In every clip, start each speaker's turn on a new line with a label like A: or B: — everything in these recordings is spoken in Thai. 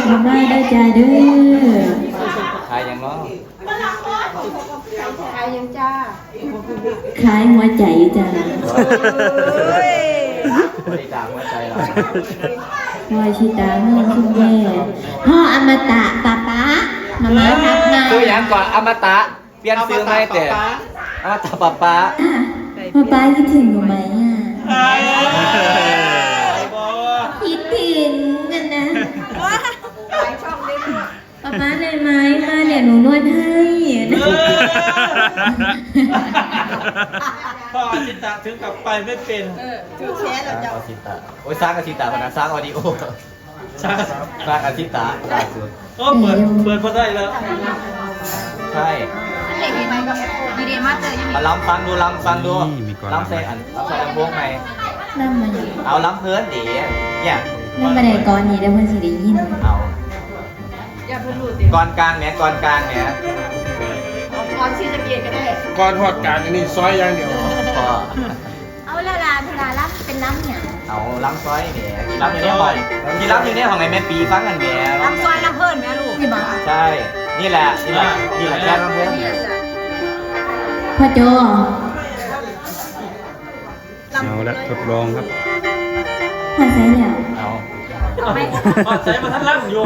A: เข้ามาได้จ้าเด้อ
B: ขายยังเนาะ
C: ขายยังจ้า
A: ขายหัวใจจ้า
B: บริจาคหัวใจเรา
A: พ่อชิตาเมื่อคุณแม่พ่ออมตะป๊าป๊ามาม่าทักมา
B: ซื้อยังก่อนอมตะเปลี่ยนซื้อไหมแต่อมตะป๊าป๊า
A: ป๊าป๊าคิดถึงหนูไหมคิดถึงกันนะป๊าป๊าเลยไหมมาเดี๋ยวหนูนวดให้
D: พ่ออาชิตะถึงกับไปไม่เป็น
C: ถือแชร์แล้วจ้า
B: อาชิตะโอ้ยสร้างอาชิตะพนะสร้างออดิโอสร้างอาชิตะล่าสุด
D: ก็เปิดพอได้แล้ว
B: ใช่
C: เด็กไหมก็ดีดีมากเลย
B: มาล้ำฟังดูล้ำฟังดูล้ำใส่อันล้ำใส่ลำโพงไหม
A: นั่งมาอยู่
B: เอาล้ำเพื่อนดิเนี่ย
A: นั่งมาในก่อนนี้ได้เพื่อนสิได้ยิน
B: เอา
C: อย่าพูดหลุด
B: ก่อนกลางเนี่ยก่อนกลางเนี่ย
C: ก่อนชื่อจะเกียรก็ได้
D: ก่อนทอดการอันนี้ซอยอย่างเดียว
C: เอาละลาเวลาล้ำเป็นล้ำเนี่ย
B: เอาล้ำซอยเนี่ยที่ล้ำอยู่เนี่ยบ่อยที่ล้ำอยู่เนี่ยของไงแม่ปีฟังกันเนี่ย
C: ล้ำซอยล้ำเพิ่นแม่ลูก
B: ใช่นี่แหละนี่แหละแค่ล้ำเพิ่น
A: พ่อโจ
E: เอาละทดลองครับ
A: พอใช้แล้ว
B: เอา
D: ไม่ใช้มาทั้งล่างอยู่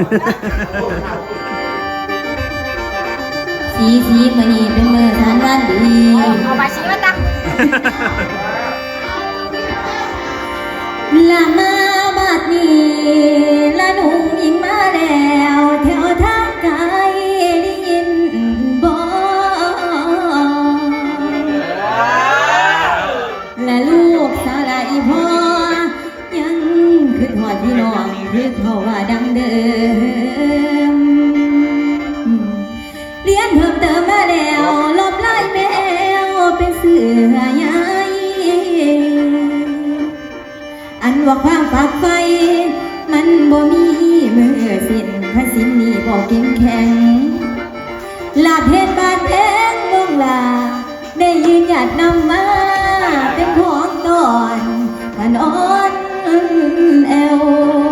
A: สีมือนี้เป็นมือทานวันดี
C: เอาไปชี้มาตั้ง
A: ละมาบัดนี้ละหนุ่มหญิงมาแล้วแถวทางไกลได้ยินบ่และลูกสาวอีพ่อยังคือหอดพี่น้องคือเขาว่าดังเดิมเรียนเพิ่มเติมมาแล้วลบไล่แมวเป็นเสือใหญ่อันว่าความฝากไฟมันบ่มีมือสิ้นพระสินนี้บ่เก่งแข็งลาเพชรบาดแดงมองลาได้ยืนหยัดนำมาเป็นของตอนขนอนแอว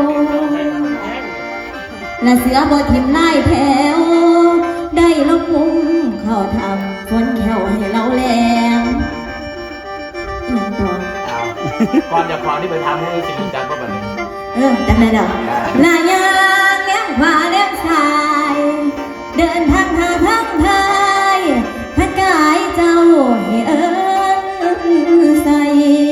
A: และเสือบ่ทิมไล่แถวได้ลงมุมเข้าทำฝนแขวให้เราแรงยังต่อ
B: ก่อนจะพร้อมที่ไปทำให้สิ่งจัดก็แบบนี้
A: จำได้แล้วลายางเลี้ยงขวาเลี้ยงซ้ายเดินทางหาทางไทยพัดกายเจ้าให้ใส่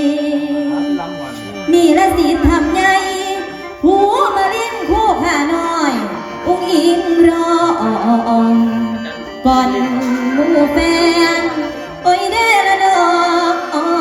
A: นี่ละสิทำไงหูมาลิ้นคู่ขาน้อยอุ้งอิงรอก่อนหมู่แฟนโอ้ยเด้อละดอก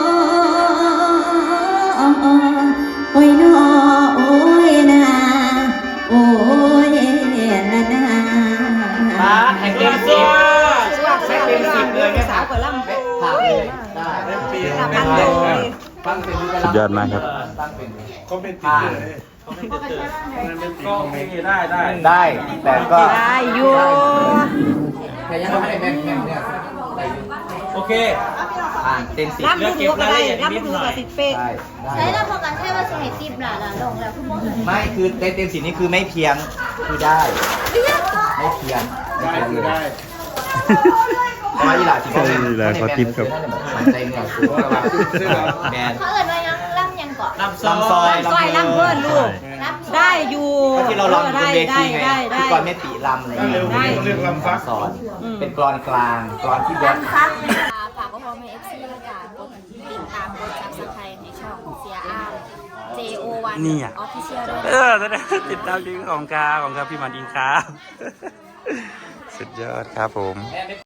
A: โอ้ยนอโอ้ยนาโอ้ยละนา
B: แข่งเต็มสิบแข่งเต็ม10เลยไม่ถามถามเลยได้ฟังเป็น
E: สุดยอดมากครับ
D: ก็เป็นติดเลยก็
B: ได้แต่ก็
C: ได้อยู่
B: แต่ยังไม่ได้แม่เนี่ย
D: โอเค
B: เต็ม10
C: เลือกเก็บรายละเอียดนิดหน่อย
A: ใช้แล้วพอกันใช่ว่าสมัย10หล่ะลงแล้ว
B: ไม่คือเต็ม10นี่คือไม่เพียงคือได้ไม่เพียงได้อีหล่าที่เขา
E: ขอทิปครับ
B: ใจเหนียวสูงแมน
A: เขาเอิญว่ายังล่ำยังเกาะ
B: ล่ำซอย
C: ล่ำเพื่อนลูกได้อยู่
B: ที่เราลองเป็นเวทีไงที่ก่อนไม่ตีลำอะไรอย่างเงี้ย
D: เรื่องลำฟัก
B: สอนเป็นกรอนกลางกรอนที่บอส
A: ฝากก็พอไม่ FC แล้วกันกดติดตามกด Subscribe ในช่องเสียอ้าม JO1
E: นี่อ่ะ
A: Official ด้วย
E: ติดตามลิงก์ของครับพี่มันอิงครับสุดยอดครับผม